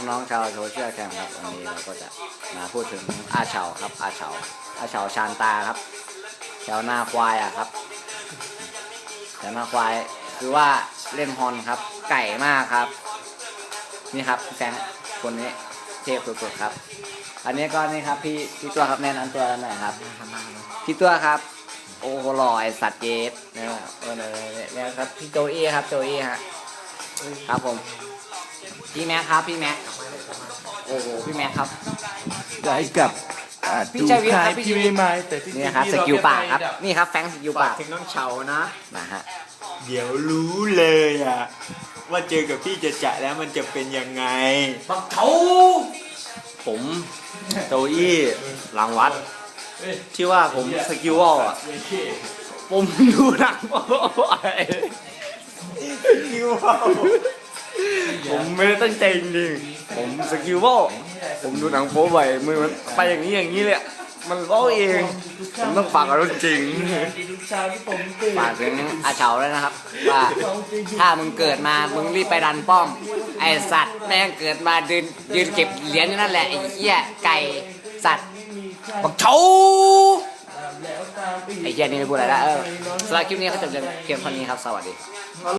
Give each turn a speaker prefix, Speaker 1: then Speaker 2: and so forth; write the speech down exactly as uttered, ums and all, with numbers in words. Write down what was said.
Speaker 1: น้องๆชาวโซเชียลแคมครับวันนี้เราก็จะมาพูดถึงอาเฉาครับอาเฉาอาเฉาชานตาครับแถวหน้าควายอ่ะครับแถวหน้าควายคือว่าเล่นฮอนครับไก่มากครับนี่ครับแฟงคนนี้เทพสุดๆครับอันนี้ก็นี่ครับพี่พี่ตัวครับแนะนำตัวหน่อยครับพี่ตัวครับโอ้โหหล่อไอสัตว์เจสนะครับเออเนี่ยครับพี่โจอี้ครับโจอี้ฮะครับผมพี่แม็กครับพี่แม็กโอ้โหพี่แม็กครับ
Speaker 2: ได้กับ
Speaker 1: พี่ชัยวิทย์ครับพี่ชัยวิทย์
Speaker 2: ไม่ไม่แต่ที่
Speaker 1: นี่ครับสกิลปากครับนี่ครับแฟงสกิลปาก
Speaker 3: ถึงน้องเฉานะ
Speaker 1: นะฮะ
Speaker 3: เดี๋ยวรู้เลยอ่ะว่าเจอกับพี่จะจะแล้วมันจะเป็นยังไง
Speaker 1: บักเฉาผมโจอี้หลังวัดที่ว่าผมสกิลวอลอ่ะผมดูหนังผมไม่ได้ตั้งใจจริงๆผมสกิลวอลผมดูหนังโป๊บ่อยมือมันไปอย่างนี้อย่างนี้เลยมันวอลเองผมต้องฝากกับรถจริงฝากถึงอาเฉาเลยนะครับว่าถ้ามึงเกิดมามึงรีบไปดันป้อมไอสัตว์แม่งเกิดมายืนยืนเก็บเหรียญอยู่นั่นแหละไอ้เหี้ยไก่สัตว์บักเฉาไอ้เหี้ยนี่ไม่พูดอะไรละเออสำหรับคลิปนี้ก็จบเพียงเท่านี้ครับสวัสดี